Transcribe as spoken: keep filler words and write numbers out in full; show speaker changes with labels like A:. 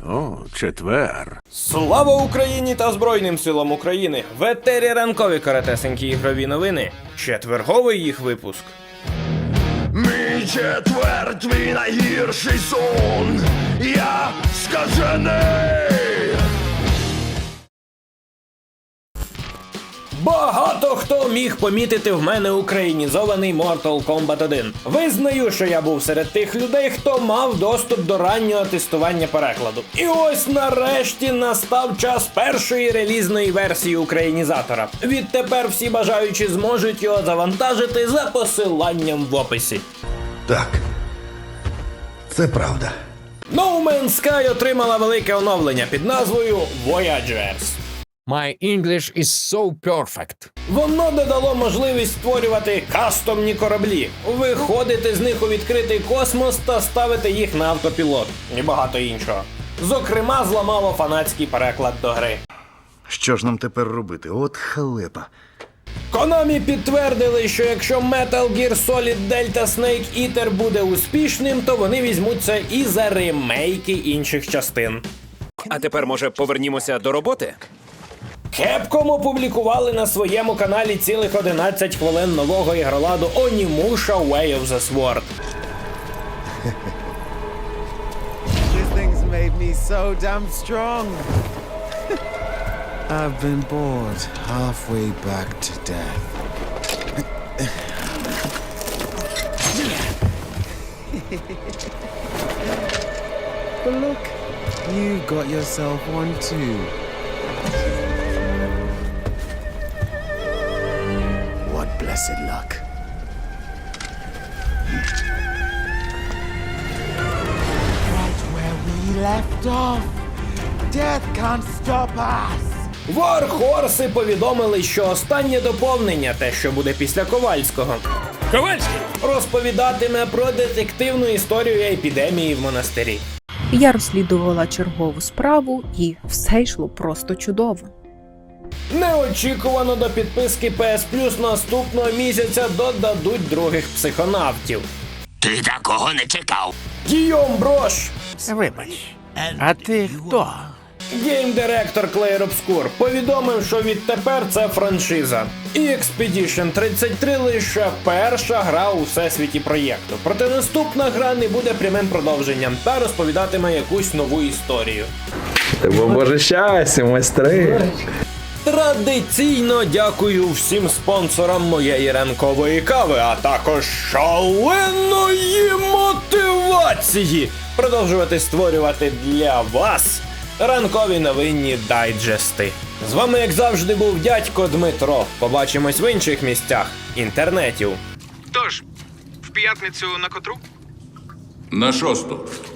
A: О, четвер.
B: Слава Україні та Збройним силам України! В етері ранкові коротесенькі ігрові новини. Четверговий їх випуск.
C: Мій четвер, твій найгірший сон. Я скажений.
B: Багато хто міг помітити в мене українізований Mortal Kombat один. Визнаю, що я був серед тих людей, хто мав доступ до раннього тестування перекладу. І ось нарешті настав час першої релізної версії українізатора. Відтепер всі бажаючі зможуть його завантажити за посиланням в описі.
D: Так, це правда.
B: No Man's Sky отримала велике оновлення під назвою Voyagers.
E: My English is so perfect.
B: Воно додало можливість створювати кастомні кораблі, виходити з них у відкритий космос та ставити їх на автопілот. І багато іншого. Зокрема, зламало фанатський переклад до гри.
D: Що ж нам тепер робити? От халепа.
B: Konami підтвердили, що якщо Metal Gear Solid Delta Snake Eater буде успішним, то вони візьмуться і за ремейки інших частин.
F: А тепер, може, повернімося до роботи?
B: Capcom опублікували на своєму каналі цілих одинадцять хвилин нового ігроладу Onimusha Way of the Sword.
G: This thing's made me so damn strong. I've been bored halfway back to death. But look, you got yourself one too. What blessed luck. Right where we left off. Death can't stop us.
B: Warhorse повідомили, що останнє доповнення, те, що буде після Ковальського,
F: Ковальський!
B: розповідатиме про детективну історію епідемії в монастирі.
H: Я розслідувала чергову справу, і все йшло просто чудово.
B: Неочікувано до підписки пі ес Плюс наступного місяця додадуть других психонавтів.
C: Ти такого не чекав.
B: Гійом Брош,
A: Вибач, а ти хто?
B: гейм-директор Clair Obscur, повідомив, що відтепер це франшиза. І Expedition тридцять три лише перша гра у всесвіті проєкту. Проте наступна гра не буде прямим продовженням та розповідатиме якусь нову історію.
I: Боже щастя, майстри!
B: Традиційно дякую всім спонсорам моєї ранкової кави, а також шаленої мотивації продовжувати створювати для вас ранкові новинні дайджести. З вами, як завжди, був дядько Дмитро. Побачимось в інших місцях інтернетів.
J: Тож, в п'ятницю на котру?
K: На шосту.